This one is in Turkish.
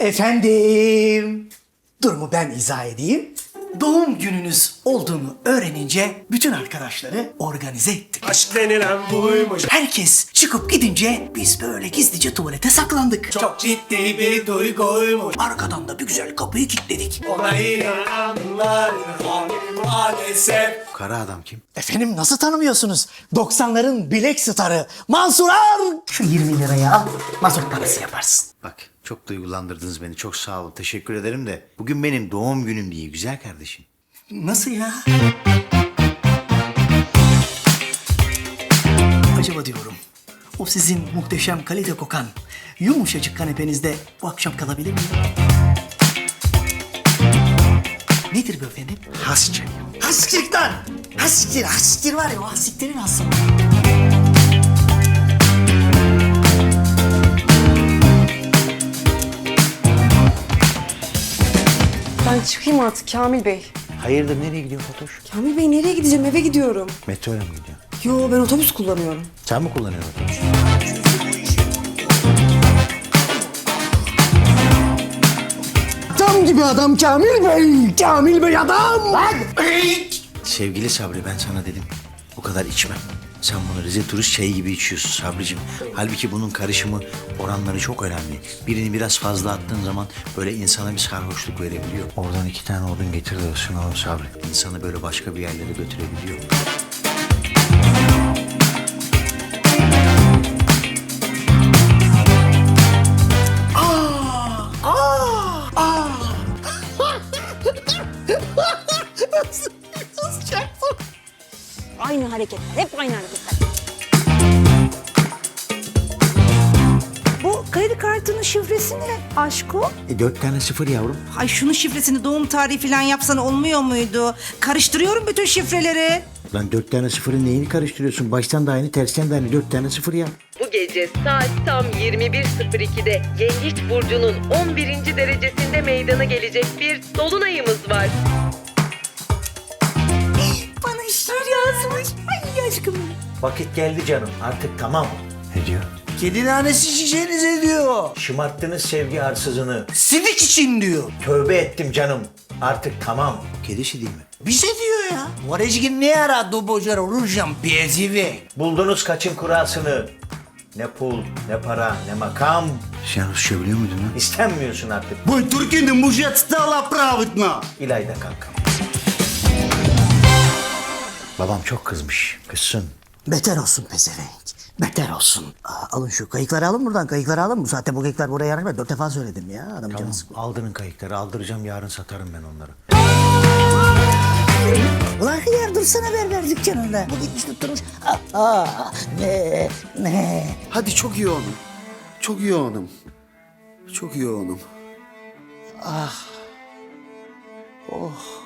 Efendim, durumu ben izah edeyim. Doğum gününüz olduğunu öğrenince bütün arkadaşları organize ettik. Aşk denilen buymuş. Herkes çıkıp gidince biz böyle gizlice tuvalete saklandık. Çok ciddi bir duyguymuş. Arkadan da bir güzel kapıyı kilitledik. Ona inananlar maalesef. Kara adam kim? Efendim nasıl tanımıyorsunuz? 90'ların bilek starı Mansur Ar. Şu 20 liraya al, mazot parası yaparsın. Bak çok duygulandırdınız beni. Çok sağ olun. Teşekkür ederim de. Bugün benim doğum günüm değil güzel kardeşim. Nasıl ya? Acaba diyorum, o sizin muhteşem kalite kokan, yumuşacık kanepenizde bu akşam kalabilir miyim? Nedir bu efendim? Has çayı. Hastikten! Hastiktir var ya, o hastiklerin hası. Ben çıkayım artık Kamil Bey. Hayırdır nereye gidiyor Fatoş? Kamil Bey nereye gideceğim? Eve gidiyorum. Metroyla mı gidiyor? Yo ben otobüs kullanıyorum. Sen mi kullanıyorsun otobüs? Adam gibi adam Kamil Bey! Kamil Bey adam! Lan! Sevgili Sabri ben sana dedim. Bu kadar içmem. Sen bunu Rize turist çayı gibi içiyorsun Sabricim. Halbuki bunun karışımı oranları çok önemli. Birini biraz fazla attığın zaman böyle insana bir sarhoşluk verebiliyor. Oradan 2 tane odun getir de ısınalım Sabri. İnsanı böyle başka bir yerlere götürebiliyor. Aynı hareketler, hep aynı hareketler. Bu kredi kartının şifresi ne aşko? 4 tane 0 yavrum. Ay şunun şifresini doğum tarihi falan yapsan olmuyor muydu? Karıştırıyorum bütün şifreleri. Lan 4 tane 0'ın neyini karıştırıyorsun? Baştan da aynı, tersten de aynı. 4 tane 0 ya. Bu gece saat tam 21.02'de Yengeç Burcu'nun 11. derecesinde meydana gelecek bir dolunayımız var. Bana şiir yazmış. Ay aşkım. Vakit geldi canım. Artık tamam. Ne diyor? Kedi nanesi şişenize diyor. Şımarttınız sevgi arsızını. Sidik için diyor. Tövbe ettim canım. Artık tamam. Kedisi değil mi? Bize diyor ya. Varecgin ne ara dobocar olacağım pezive. Buldunuz kaçın kurasını. Ne pul, ne para, ne makam. Sen Rusça biliyor muydun lan? İstenmiyorsun artık. Bu Türkiye'nin mujet stala pravitna. İlayda kankam. Babam çok kızmış. Kızsın. Beter olsun pezevenk. Beter olsun. Alın şu kayıkları alın buradan. Kayıkları alın. Bu saatte bu kayıklar buraya yarar. Ben 4 defa söyledim ya. Adam Tamam. canı sıkıldı. Aldırın kayıkları. Aldıracağım. Yarın satarım ben onları. Ulan hıyar dursana berber dükkanında. Bu gitmiş tutturmuş. Ne. Hadi çok yoğunum. Çok yoğunum. Çok yoğunum. Oh.